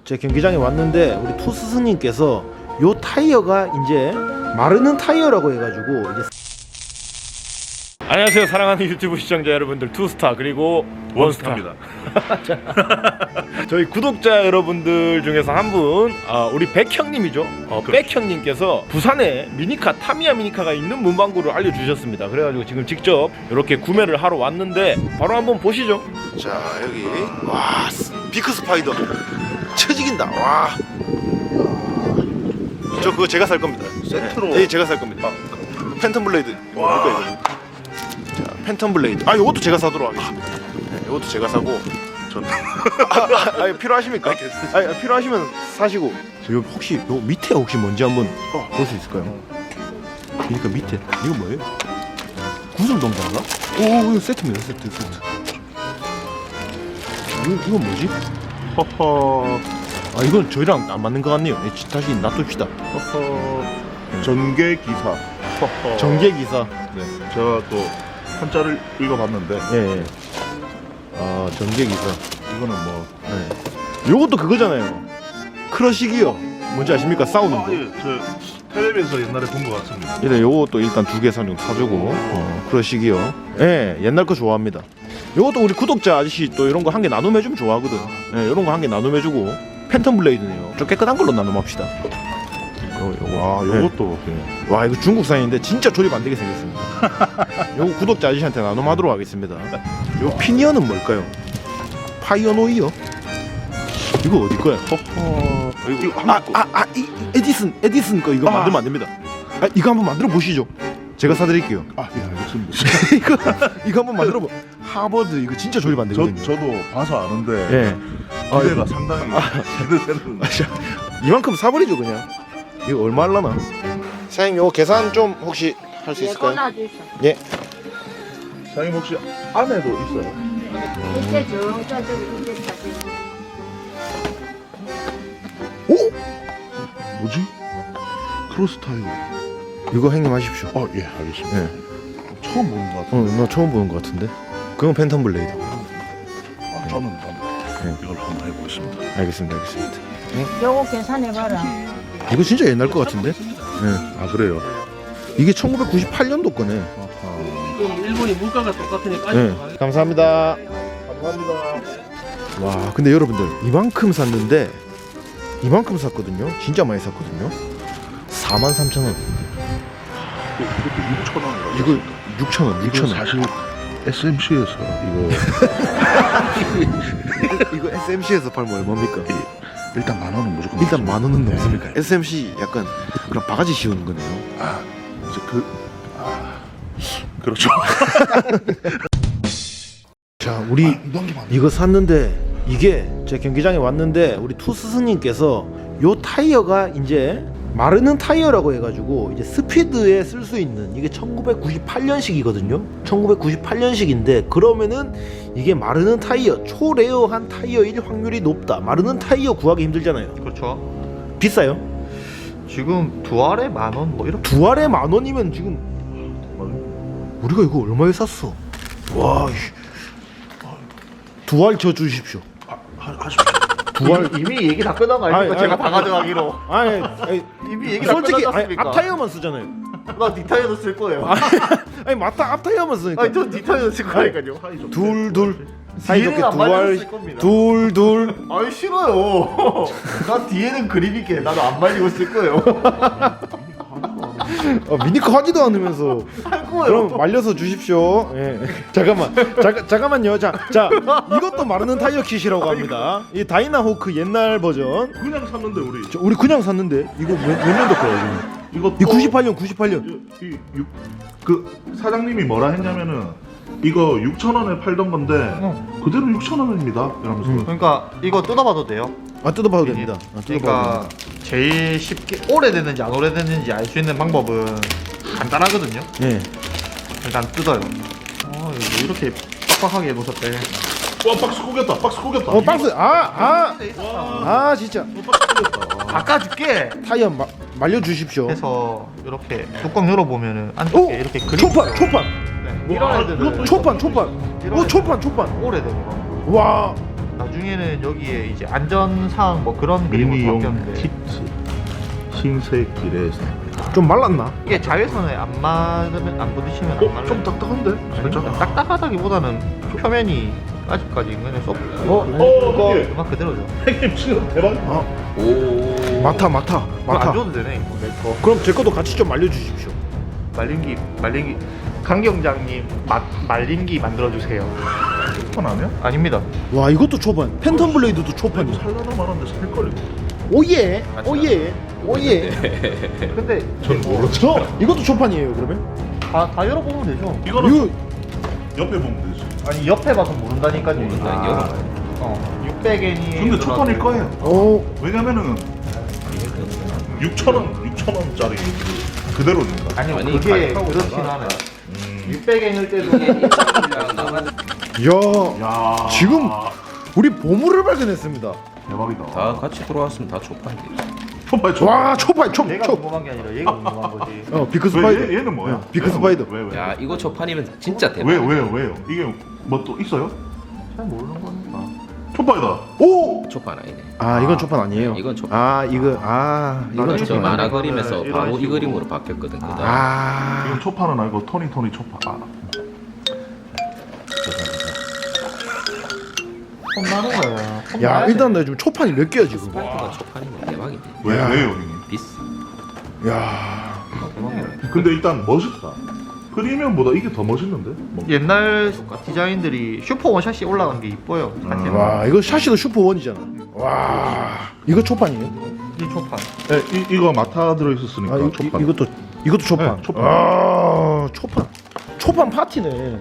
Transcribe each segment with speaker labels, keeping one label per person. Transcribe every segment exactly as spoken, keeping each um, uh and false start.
Speaker 1: 제 경기장에 왔는데 우리 투 스승님께서 요 타이어가 이제 마르는 타이어라고 해가지고 이제 안녕하세요 사랑하는 유튜브 시청자 여러분들, 투스타 그리고 원스타입니다. 저희 구독자 여러분들 중에서 한 분, 어, 우리 백형님이죠. 어, 백형님께서 부산에 미니카 타미야 미니카가 있는 문방구를 알려주셨습니다. 그래가지고 지금 직접 이렇게 구매를 하러 왔는데 바로 한번 보시죠. 자, 여기 와 비크 스파이더 쳐지긴다. 와, 저 그거 제가 살 겁니다.
Speaker 2: 세트로.
Speaker 1: 네, 제가 살 겁니다. 팬텀 블레이드. 와. 자, 팬텀 블레이드. 아, 이것도 제가 사도록 하겠습니다. 네, 이것도 제가 사고. 전. 아, 아, 필요하십니까? 아, 아, 필요하시면 사시고. 지금 혹시 요 밑에 혹시 뭔지 한번 어, 볼 수 있을까요? 그러니까 밑에 이거 뭐예요? 구슬동자인가? 오, 이거 세트입니다. 세트, 세트. 이거 이건 뭐지?
Speaker 2: 허허.
Speaker 1: 아, 이건 저희랑 안 맞는 것 같네요. 네, 다시 놔둡시다.
Speaker 2: 허허. 전개 기사. 허허.
Speaker 1: 전개 기사.
Speaker 2: 네. 제가 또 한자를 읽어봤는데.
Speaker 1: 예, 예. 아, 전개 기사.
Speaker 2: 이거는 뭐.
Speaker 1: 네. 요것도 그거잖아요. 크러쉬기어. 뭔지 아십니까? 싸우는
Speaker 2: 아,
Speaker 1: 거.
Speaker 2: 예. 저 텔레비에서 옛날에 본 것 같습니다.
Speaker 1: 일단 요것도 일단 두 개 사주고 사주고. 어, 크러쉬기어. 예, 옛날 거 좋아합니다. 요것도 우리 구독자 아저씨 또 이런 거 한 개 나눔해 주면 좋아하거든. 예, 이런 거 한 개 나눔해 주고. 팬텀 블레이드네요. 좀 깨끗한 걸로 나눔합시다. 요, 요거.
Speaker 2: 아, 요것도. 네.
Speaker 1: 와, 이거 중국산인데 진짜 조립 안 되게 생겼습니다. 요거 구독자 아저씨한테 나눔하도록 하겠습니다. 요 피니어는 뭘까요? 파이어노이어? 이거 어디 거야?
Speaker 2: 허허. 이거
Speaker 1: 아,
Speaker 2: 한국 거.
Speaker 1: 아, 아, 이 에디슨, 에디슨 거 이거
Speaker 2: 아.
Speaker 1: 만들면 안 됩니다. 아, 이거 한번 만들어 보시죠. 제가 사드릴게요.
Speaker 2: 아, 예, 알겠습니다.
Speaker 1: 이거, 이거 한번 만들어 보. 하버드 이거 진짜 조립 안
Speaker 2: 저,
Speaker 1: 되거든요.
Speaker 2: 저도 봐서 아는데.
Speaker 1: 예.
Speaker 2: 기대가
Speaker 1: 아,
Speaker 2: 상당히 기대되는.
Speaker 1: 아, 자, 이만큼 사버리죠 그냥. 이거 얼마 할라나? 사장님 요거 계산 좀 혹시 할 수 있을까요? 예.
Speaker 2: 사장님 혹시 안에도 있어요?
Speaker 3: 이때 저 저쪽 이때 사진.
Speaker 1: 오?
Speaker 2: 뭐지? 크로스 타이어.
Speaker 1: 이거 형님 하십시오.
Speaker 2: 어, 예, 알겠습니다.
Speaker 1: 예.
Speaker 2: 처음 보는 것 같아요.
Speaker 1: 어, 나 처음 보는 것 같은데. 그건 팬텀 블레이드.
Speaker 2: 아, 저는 한번 이걸 한번 해보겠습니다.
Speaker 1: 알겠습니다, 알겠습니다.
Speaker 3: 요거 계산해봐라.
Speaker 1: 이거 진짜 옛날 것 같은데? 예.
Speaker 2: 아, 그래요?
Speaker 1: 이게 천구백구십팔 년도 거네.
Speaker 4: 그럼 일본이 물가가 똑같으니까.
Speaker 1: 예. 감사합니다.
Speaker 2: 감사합니다.
Speaker 1: 와, 근데 여러분들 이만큼 샀는데 이만큼 샀거든요. 진짜 많이 샀거든요. 사만 삼천 원.
Speaker 2: 이것도 육천 원이라고.
Speaker 1: 이거 육천 원, 육천
Speaker 2: 이거
Speaker 1: 원.
Speaker 2: 사실 에스엠씨에서 이거
Speaker 1: 이거 에스엠씨에서 팔면 얼마입니까?
Speaker 2: 일단 만 원은 무조건
Speaker 1: 일단 만 원은
Speaker 2: 네.
Speaker 1: 넘습니까? 에스엠씨 약간 그런 바가지 씌우는 거네요.
Speaker 2: 아, 이제 그 아, 그렇죠.
Speaker 1: 자, 우리
Speaker 2: 아, 넘기면 안 돼.
Speaker 1: 이거 샀는데 이게 제 경기장에 왔는데 우리 투 스승님께서 요 타이어가 이제 마르는 타이어라고 해가지고 이제 스피드에 쓸 수 있는, 이게 천구백구십팔 년식이거든요. 천구백구십팔 년식인데 그러면은 이게 마르는 타이어, 초레어한 타이어일 확률이 높다. 마르는 타이어 구하기 힘들잖아요.
Speaker 5: 그렇죠.
Speaker 1: 비싸요?
Speaker 5: 지금 두 알에 만 원 뭐 이렇게.
Speaker 1: 두 알에 만 원이면 지금 우리가 이거 얼마에 샀어? 와, 씨. 두 알 쳐 주십시오.
Speaker 2: 하십시오.
Speaker 1: 두 알.
Speaker 5: 이미 얘기 다 끝난 거 아닙니까?
Speaker 1: 아니,
Speaker 5: 제가
Speaker 1: 아니,
Speaker 5: 다 가져가기로.
Speaker 1: 아니, 아니
Speaker 5: 이미 얘기 다
Speaker 1: 솔직히
Speaker 5: 끝났지
Speaker 1: 아니,
Speaker 5: 않습니까?
Speaker 1: 앞 타이어만 쓰잖아요.
Speaker 5: 나 뒷타이어도 쓸 거예요.
Speaker 1: 아니, 아니 맞다, 앞 타이어만 쓰니까.
Speaker 5: 아니 저 뒷타이어도 쓸 거니까요.
Speaker 1: 둘 둘. 사이좋게
Speaker 5: 뒤에는 안
Speaker 1: 두
Speaker 5: 말려
Speaker 1: 알.
Speaker 5: 쓸 겁니다.
Speaker 1: 둘 둘.
Speaker 5: 아니 싫어요. 나 뒤에는 그립 있게 나도 안 말리고 쓸 거예요.
Speaker 1: 어, 미니카 하지도 않으면서.
Speaker 5: 할 거예요.
Speaker 1: 그럼 말려서 주십시오. 예. 잠깐만, 잠깐 잠깐만요. 자, 자 이것도 마르는 타이어 kit이라고 합니다. 이 다이나호크 옛날 버전.
Speaker 2: 그냥 샀는데 우리
Speaker 1: 저, 우리 그냥 샀는데 이거 몇, 몇 년도 거야 이거?
Speaker 2: 이거
Speaker 1: 이 구십팔 년, 구십팔 년.
Speaker 2: 이, 이, 육, 그 사장님이 뭐라 했냐면은 이거 육천 원에 팔던 건데 그대로 육천 원입니다. 이러면서
Speaker 1: 음.
Speaker 5: 그러니까 이거 뜯어봐도 돼요.
Speaker 1: 아, 뜯어봐도 됩니다. 아, 뜯어봐도
Speaker 5: 그러니까
Speaker 1: 됩니다.
Speaker 5: 제일 쉽게 오래됐는지 안 오래됐는지 알 수 있는 방법은 간단하거든요.
Speaker 1: 예.
Speaker 5: 일단 뜯어요. 어, 이거 이렇게 빡빡하게 해놓으셨대.
Speaker 2: 와, 박스 구겼다. 박스 구겼다.
Speaker 1: 어, 박스. 아, 아, 아, 진짜.
Speaker 5: 바꿔줄게.
Speaker 1: 타이어 마, 말려 주십시오.
Speaker 5: 해서 이렇게 뚜껑 열어보면은 안쪽에
Speaker 1: 오,
Speaker 5: 이렇게 그림.
Speaker 1: 초판, 초판.
Speaker 5: 네,
Speaker 2: 뭐,
Speaker 5: 이런
Speaker 2: 아,
Speaker 5: 애들은
Speaker 2: 이것도
Speaker 1: 초판, 초판. 오, 초판, 초판.
Speaker 5: 오래돼요.
Speaker 1: 와,
Speaker 5: 나중에 나중에는 여기에 이제 안전사항 뭐 그런 그림을
Speaker 2: 미니용
Speaker 5: 바뀌었는데
Speaker 2: 티트 흰색 기레사.
Speaker 1: 좀 말랐나?
Speaker 5: 이게 자외선에 안 맞으면 안 부딪히면 안
Speaker 2: 어?
Speaker 5: 말라요.
Speaker 2: 좀 딱딱한데? 살짝.
Speaker 5: 아닙니다. 딱딱하다기보다는 표면이 아직까지 그냥 쏙
Speaker 1: 어?
Speaker 2: 어, 이게
Speaker 5: 음악 그대로죠.
Speaker 2: 형님 지금 대박.
Speaker 1: 오 맡아 맡아
Speaker 5: 그거 안
Speaker 1: 맡아.
Speaker 5: 줘도 되네. 이거 내 거.
Speaker 1: 그럼 제 것도 같이 좀 말려주십시오.
Speaker 5: 말린기 말린기 강경장님 마, 말린기 만들어 주세요.
Speaker 2: 폰 아니야?
Speaker 5: 아닙니다.
Speaker 1: 와 이것도 초판. 팬텀 블레이드도 초판이야.
Speaker 2: 살라나 말았는데 살걸 이거.
Speaker 1: 오예 오예 오예.
Speaker 5: 근데
Speaker 2: 전 모르죠.
Speaker 1: 이것도 초판이에요 그러면?
Speaker 5: 다, 다 열어보면 되죠.
Speaker 2: 이거는
Speaker 1: 이거
Speaker 2: 옆에 보면 되지.
Speaker 5: 아니 옆에 봐서 모른다니까요.
Speaker 4: 모른다, 열어봐요.
Speaker 5: 어 육백 엔이.
Speaker 2: 근데 초판일 거예요.
Speaker 1: 어
Speaker 2: 왜냐면은 육천 원, 육천 원짜리 그대로니까.
Speaker 5: 아니요
Speaker 4: 아니,
Speaker 5: 그게
Speaker 4: 가격하고
Speaker 5: 그렇긴
Speaker 4: 있다가.
Speaker 5: 하네.
Speaker 2: 음.
Speaker 5: 육백 엔일 때도
Speaker 1: 야
Speaker 2: 야,
Speaker 1: 지금 우리 보물을 발견했습니다.
Speaker 2: 대박이다.
Speaker 4: 다 같이 돌아왔으면 다 초판이지.
Speaker 2: 초파이 초.
Speaker 1: 와 초판 초
Speaker 5: 내가
Speaker 1: 초.
Speaker 5: 궁금한 게 아니라 얘가 궁금한 거지.
Speaker 1: 어 비크
Speaker 2: 왜
Speaker 1: 스파이더.
Speaker 2: 얘, 얘는 뭐야?
Speaker 1: 어, 비크
Speaker 2: 얘는
Speaker 1: 스파이더.
Speaker 2: 왜 왜?
Speaker 4: 야 이거 초판이면 진짜 대박.
Speaker 2: 왜 왜요 왜요? 이게 뭐 또 있어요?
Speaker 5: 잘 모르는 거니까.
Speaker 2: 초파이다.
Speaker 1: 오.
Speaker 4: 초판 아니네.
Speaker 1: 아 이건 초판 아니에요.
Speaker 4: 이건 초판.
Speaker 1: 아 이거 아 이건
Speaker 2: 나는
Speaker 4: 저
Speaker 1: 초판.
Speaker 4: 만화
Speaker 2: 이거는
Speaker 4: 그림에서
Speaker 2: 이런
Speaker 4: 바로 이
Speaker 2: 식으로.
Speaker 4: 그림으로 바뀌었거든. 그다음.
Speaker 1: 아
Speaker 2: 이건 초파는 아니고 토니 토니 초파. 아.
Speaker 5: 폰 나는 거야. 폰
Speaker 1: 야
Speaker 5: 나야 돼.
Speaker 1: 일단 나 지금 초판이 몇 개야 지금.
Speaker 4: 스파이크가 초판이면 대박이지.
Speaker 2: 왜
Speaker 1: 야.
Speaker 2: 왜요 형님?
Speaker 4: 비싸.
Speaker 1: 야
Speaker 5: 대박이야.
Speaker 2: 근데 일단 멋있다. 프리미엄보다 이게 더 멋있는데? 뭐.
Speaker 5: 옛날 디자인들이 슈퍼 원샷이 올라간 게 이뻐요. 사실.
Speaker 1: 와 이거 샤시도 슈퍼 원이잖아. 와 이거 초판이에요?
Speaker 5: 이 초판.
Speaker 2: 네, 이 이거 마타 들어 있었으니까
Speaker 1: 아 이,
Speaker 2: 초파.
Speaker 1: 이, 이것도 이것도 초판.
Speaker 2: 네, 초판.
Speaker 1: 아 초판. 초판 파티네.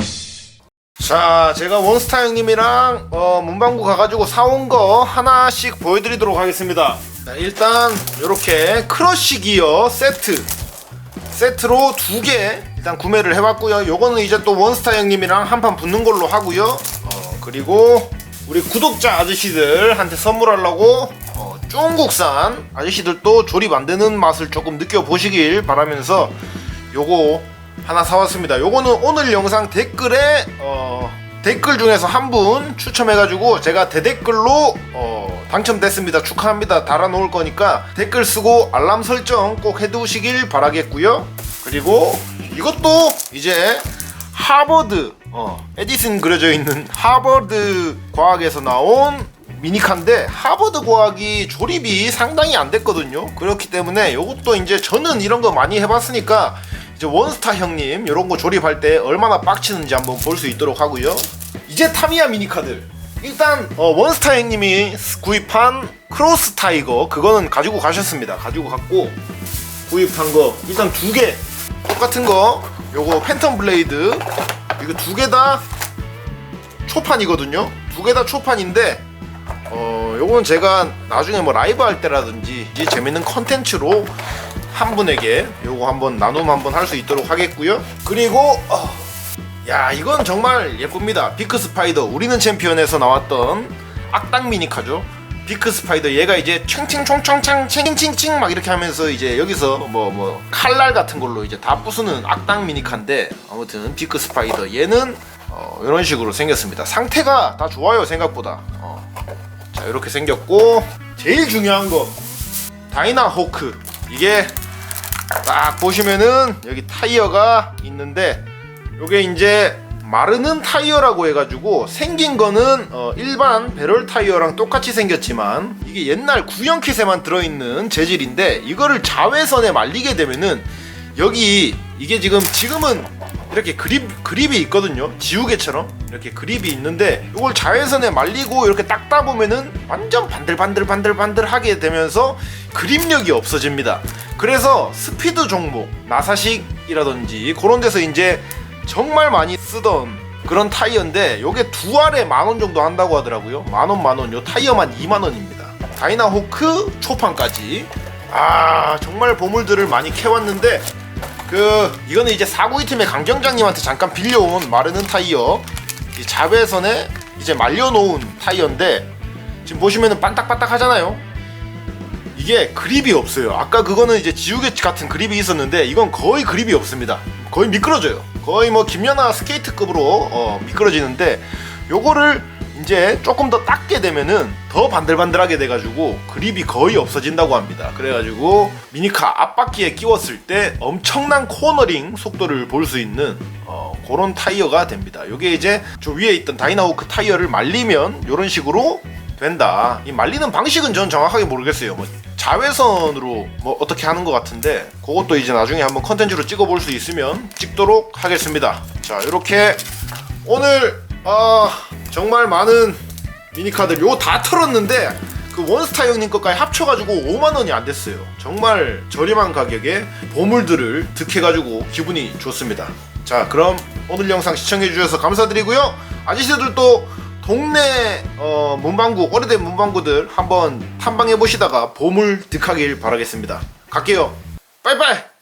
Speaker 1: 자, 제가 원스타 형님이랑 어, 문방구 가가지고 사온 거 하나씩 보여드리도록 하겠습니다. 자, 일단 이렇게 크러쉬 기어 세트 세트로 두 개 일단 구매를 해봤고요. 요거는 이제 또 원스타 형님이랑 한판 붙는 걸로 하고요. 어, 그리고 우리 구독자 아저씨들한테 선물하려고 어, 중국산 아저씨들도 조립 안 되는 맛을 조금 느껴보시길 바라면서 요거 하나 사왔습니다. 요거는 오늘 영상 댓글에 어, 댓글 중에서 한 분 추첨해가지고 제가 대댓글로 어, 당첨됐습니다. 축하합니다. 달아놓을 거니까 댓글 쓰고 알람 설정 꼭 해두시길 바라겠고요. 그리고 이것도 이제 하버드 어, 에디슨 그려져 있는 하버드 과학에서 나온 미니카인데 하버드 과학이 조립이 상당히 안 됐거든요. 그렇기 때문에 이것도 이제 저는 이런 거 많이 해봤으니까 이제 원스타 형님 이런 거 조립할 때 얼마나 빡치는지 한번 볼 수 있도록 하고요. 이제 타미야 미니카들 일단 어, 원스타 형님이 구입한 크로스 타이거 그거는 가지고 가셨습니다. 가지고 갔고 구입한 거 일단 두 개 똑같은 거 요거 팬텀 블레이드 이거 두 개 다 초판이거든요. 두 개 다 초판인데 어 요거는 제가 나중에 뭐 라이브 할 때라든지 이제 재밌는 컨텐츠로 한 분에게 요거 한번 나눔 한번 할 수 있도록 하겠고요. 그리고 어, 야 이건 정말 예쁩니다. 비크 스파이더 우리는 챔피언에서 나왔던 악당 미니카죠. 비크 스파이더 얘가 이제 챙챙총총창 챙칭칭 막 이렇게 하면서 이제 여기서 뭐 뭐 칼날 같은 걸로 이제 다 부수는 악당 미니카인데 아무튼 비크 스파이더 얘는 어, 이런 식으로 생겼습니다. 상태가 다 좋아요 생각보다. 어. 자 이렇게 생겼고 제일 중요한 거 다이나 호크 이게 딱 보시면은 여기 타이어가 있는데 요게 이제 마르는 타이어라고 해가지고 생긴 거는 어 일반 배럴 타이어랑 똑같이 생겼지만 이게 옛날 구형 킷에만 들어있는 재질인데 이거를 자외선에 말리게 되면은 여기 이게 지금 지금은 이렇게 그립, 그립이 있거든요. 지우개처럼 이렇게 그립이 있는데 이걸 자외선에 말리고 이렇게 닦다 보면은 완전 반들반들반들반들 하게 되면서 그립력이 없어집니다. 그래서 스피드 종목 나사식이라든지 그런 데서 이제 정말 많이 쓰던 그런 타이어인데 요게 두 알에 만원 정도 한다고 하더라고요. 만원 만원 요 타이어만 이만원입니다. 다이나 호크 초판까지 아 정말 보물들을 많이 캐왔는데 그 이거는 이제 사구이 팀의 강경장님한테 잠깐 빌려온 마르는 타이어 이 자외선에 이제 말려놓은 타이어인데 지금 보시면은 반딱반딱 하잖아요. 이게 그립이 없어요. 아까 그거는 이제 지우개 같은 그립이 있었는데 이건 거의 그립이 없습니다. 거의 미끄러져요. 거의 뭐 김연아 스케이트급으로 어, 미끄러지는데 요거를 이제 조금 더 닦게 되면은 더 반들반들하게 돼가지고 그립이 거의 없어진다고 합니다. 그래가지고 미니카 앞바퀴에 끼웠을 때 엄청난 코너링 속도를 볼 수 있는 어, 그런 타이어가 됩니다. 이게 이제 저 위에 있던 다이나호크 타이어를 말리면 이런 식으로 된다. 이 말리는 방식은 전 정확하게 모르겠어요. 뭐 자외선으로 뭐 어떻게 하는 것 같은데 그것도 이제 나중에 한번 컨텐츠로 찍어볼 수 있으면 찍도록 하겠습니다. 자, 이렇게 오늘 아 정말 많은 미니카들 요 다 털었는데 그 원스타 형님 것까지 합쳐가지고 오만 원이 안 됐어요. 정말 저렴한 가격에 보물들을 득해가지고 기분이 좋습니다. 자, 그럼 오늘 영상 시청해주셔서 감사드리고요. 아저씨들도 동네 어, 문방구, 오래된 문방구들 한번 탐방해보시다가 보물 득하길 바라겠습니다. 갈게요. 빠이빠이.